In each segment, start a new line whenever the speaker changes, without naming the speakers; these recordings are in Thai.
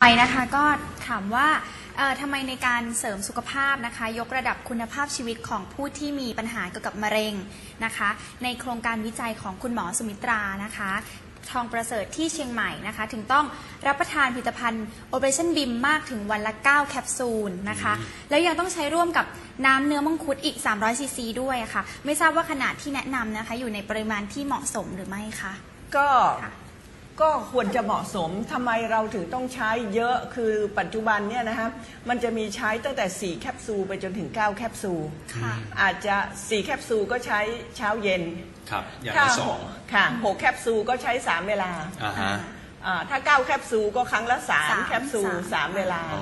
ไปนะคะก็ถามว่าทำไมในการเสริมสุขภาพนะคะยกระดับคุณภาพชีวิตของผู้ที่มีปัญหาเกี่ยวกับมะเร็งนะคะในโครงการวิจัยของคุณหมอสุมิตรานะคะทองประเสริฐที่เชียงใหม่นะคะถึงต้องรับประทานผลิตภัณฑ์ Operation BIM มากถึงวันละ9แคปซูลนะคะแล้วยังต้องใช้ร่วมกับน้ำเนื้อมังคุดอีก300ซีซีด้วยค่ะไม่ทราบว่าขนาดที่แนะนำนะคะอยู่ในปริมาณที่เหมาะสมหรือไม่คะ
ก็ควรจะเหมาะสมทำไมเราถึงต้องใช้เยอะคือปัจจุบันเนี่ยนะคะมันจะมีใช้ตั้งแต่4แคปซูลไปจนถึง9แคปซูลอาจจะ4แคปซูลก็ใช้เช้าเย็น
ครับอย่างละ2
ค่ะ6แคปซูลก็ใช้3เวลาถ้า9แคปซูลก็ครั้งละ3แคปซูล3เวลา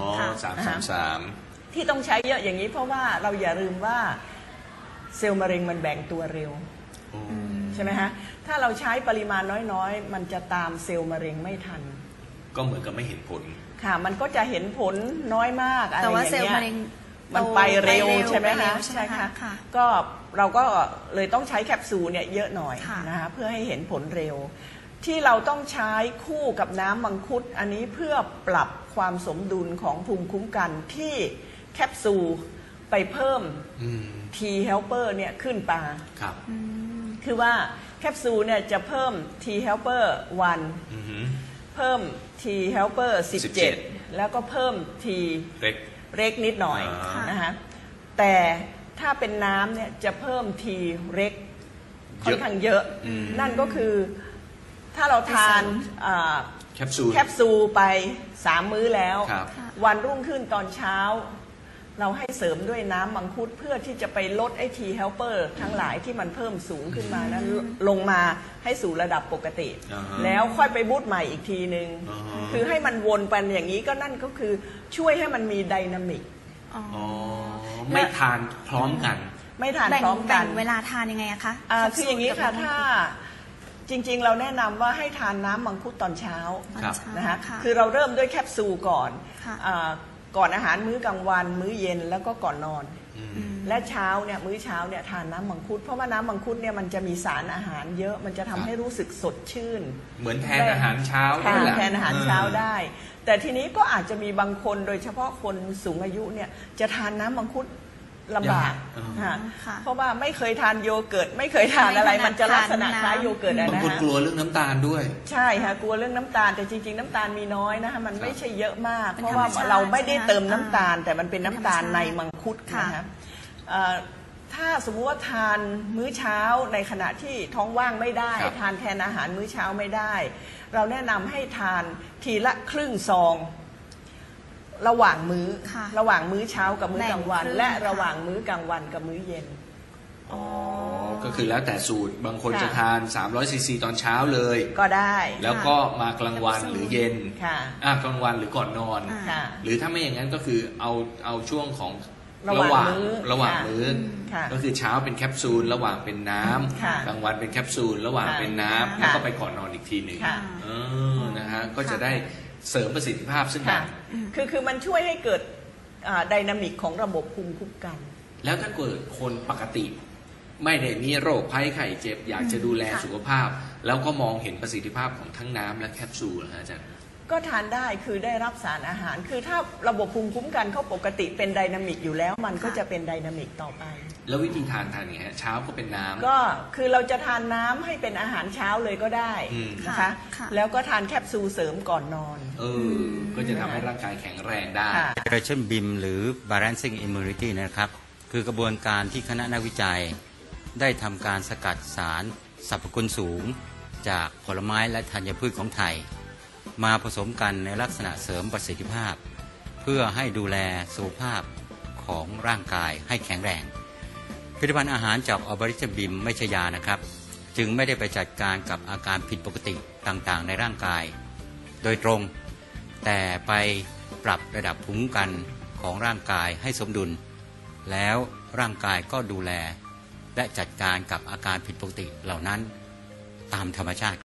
3
ที่ต้องใช้เยอะอย่างนี้เพราะว่าเราอย่าลืมว่าเซลล์มะเร็งมันแบ่งตัวเร็วใช่ไหมฮะถ้าเราใช้ปริมาณน้อยๆมันจะตามเซลล์มะเร็งไม่ทัน
ก็เหมือนกับไม่เห็นผล
ค่ะมันก็จะเห็นผลน้อยมากอะไรอย่างเงี้ยแต่ว่าเซลล์มะเร็งมันไปเร็วใช่ไหมคะใช่ค่ะก็เราก็เลยต้องใช้แคปซูลเนี่ยเยอะหน่อยนะคะเพื่อให้เห็นผลเร็วที่เราต้องใช้คู่กับน้ำมังคุดอันนี้เพื่อปรับความสมดุลของภูมิคุ้มกันที่แคปซูลไปเพิ่มT helper เนี่ยขึ้นปา
ครับ
คือว่าแคปซูลเนี่ยจะเพิ่ม T helper 1เพิ่ม T helper 17แล้วก็เพิ่ม T เร็กนิดหน่อยนะคะแต่ถ้าเป็นน้ำเนี่ยจะเพิ่ม T เร็กค่อนข้างเยอะนั่นก็คือถ้าเราทานแคปซูลไป3มื้อแล้ววันรุ่งขึ้นตอนเช้าเราให้เสริมด้วยน้ำมังคุดเพื่อที่จะไปลดไอ้ T helper ทั้งหลายที่มันเพิ่มสูงขึ้นมานั้นลงมาให้สู่ระดับปกติแล้วค่อยไปบูตใหม่อีกทีนึงคือให้มันวนไปอย่างนี้ก็นั่นก็คือช่วยให้มันมีไดนามิก
ไม่ทานพร้อมกัน
ไม่ทานพร้อมกัน
เวลาทานยังไงคะ
คืออย่างนี้ค่ะถ้าจริงๆเราแนะนำว่าให้ทานน้ำมังคุดตอนเช้านะคะคือเราเริ่มด้วยแคปซูลก่อนอาหารมื้อกลางวันมื้อเย็นแล้วก็ก่อนนอนและเช้าเนี่ยมื้อเช้าเนี่ยทานน้ำมังคุดเพราะว่าน้ำมังคุดเนี่ยมันจะมีสารอาหารเยอะมันจะทำให้รู้สึกสดชื่น
เหมือนแทนอาหารเช้า
แทนอาหารเช้าได้แต่ทีนี้ก็อาจจะมีบางคนโดยเฉพาะคนสูงอายุเนี่ยจะทานน้ำมังคุดลำบากเพราะว่าไม่เคยทานโยเกิร์ตไม่เคยทานอะไรมันจะลักษณะคล้ายโยเกิร์ตนะฮะ
บางคนกลัวเรื่องน้ำตาลด้วย
ใช่ค่ะกลัวเรื่องน้ำตาลแต่จริงๆน้ำตาลมีน้อยนะคะมันไม่ใช่เยอะมากเพราะว่าเราไม่ได้เติมน้ำตาลแต่มันเป็นน้ำตาลในมังคุดนะคะถ้าสมมุติว่าทานมื้อเช้าในขณะที่ท้องว่างไม่ได้ทานแทนอาหารมื้อเช้าไม่ได้เราแนะนำให้ทานทีละครึ่งซองระหว่างมื้อเช้ากับมื้อกลางวันและระหว่างมื้อกลางวันกับมื้อเย็น
ก็คือแล้วแต่สูตรบางคนจะทาน300ซีซีตอนเช้าเลย
ก็ได้
แล้วก็มากลางวันหรือเย็นกลางวันหรือก่อนนอนหรือถ้าไม่อย่างนั้นก็คือเอาช่วงของระหว่างมื้อก็คือเช้าเป็นแคปซูลระหว่างเป็นน้ำกลางวันเป็นแคปซูลระหว่างเป็นน้ำแล้วก็ไปก่อนนอนอีกทีหนึ่งนะฮะก็จะได้เสริมประสิทธิภาพซึ่งกัน
คือมันช่วยให้เกิดไดนามิกของระบบภูมิคุ้มกัน
แล้วถ้าเกิดคนปกติไม่ได้มีโรคภัยไข้เจ็บอยากจะดูแลสุขภาพแล้วก็มองเห็นประสิทธิภาพของทั้งน้ำและแคปซูลนะอาจารย์
ก็ทานได้คือได้รับสารอาหารคือถ้าระบบภูมิคุ้มกันเขาปกติเป็นไดนามิกอยู่แล้วมันก็จะเป็นไดนามิกต่อไป
แล้ววิธีทานไงฮะเช้าก็เป็นน้ำ
ก็คือเราจะทานน้ำให้เป็นอาหารเช้าเลยก็ได้นะคะแล้วก็ทานแคปซูลเสริมก่อนนอน
ก็จะทำให้ร่างกายแข็งแรงได้
Operation BIM หรือ Balancing Immunity นะครับคือกระบวนการที่คณะนักวิจัยได้ทำการสกัดสารสรรพคุณสูงจากผลไม้และธัญพืชของไทยมาผสมกันในลักษณะเสริมประสิทธิภาพเพื่อให้ดูแลสุขภาพของร่างกายให้แข็งแรงผลิตภัณฑ์อาหารจาก Operation BIM ไม่ใช่ยานะครับจึงไม่ได้ไปจัดการกับอาการผิดปกติต่างๆในร่างกายโดยตรงแต่ไปปรับระดับภูมิคุ้มกันของร่างกายให้สมดุลแล้วร่างกายก็ดูแลและจัดการกับอาการผิดปกติเหล่านั้นตามธรรมชาติ